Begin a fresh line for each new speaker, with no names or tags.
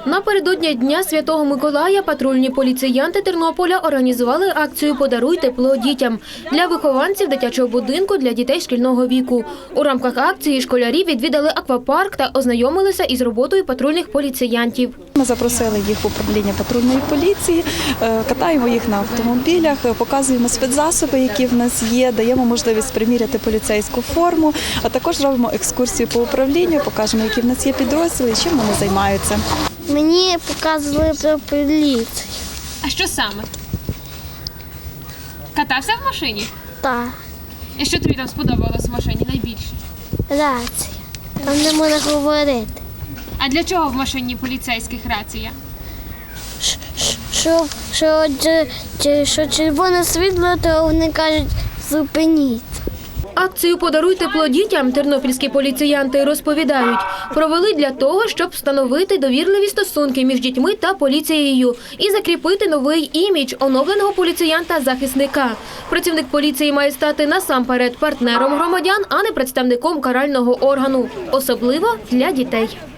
Напередодні Дня Святого Миколая патрульні поліціянти Тернополя організували акцію «Подаруй тепло дітям» для вихованців дитячого будинку для дітей шкільного віку. У рамках акції школярі відвідали аквапарк та ознайомилися із роботою патрульних поліціянтів.
Ми запросили їх в управління патрульної поліції, катаємо їх на автомобілях, показуємо спецзасоби, які в нас є, даємо можливість приміряти поліцейську форму, а також робимо екскурсію по управлінню, покажемо, які в нас є підрозділи і чим вони займаються.
Мені показували про поліцію.
А що саме? Катався в машині?
Так,
І що тобі там сподобалось в машині найбільше?
рація. Там не можна говорити.
А для чого в машині поліцейських рація?
Що червоне світло, то вони кажуть «зупиніть».
Акцію «Подаруй тепло дітям» тернопільські поліціянти розповідають, провели для того, щоб встановити довірливі стосунки між дітьми та поліцією і закріпити новий імідж оновленого поліціянта-захисника. Працівник поліції має стати насамперед партнером громадян, а не представником карального органу, особливо для дітей.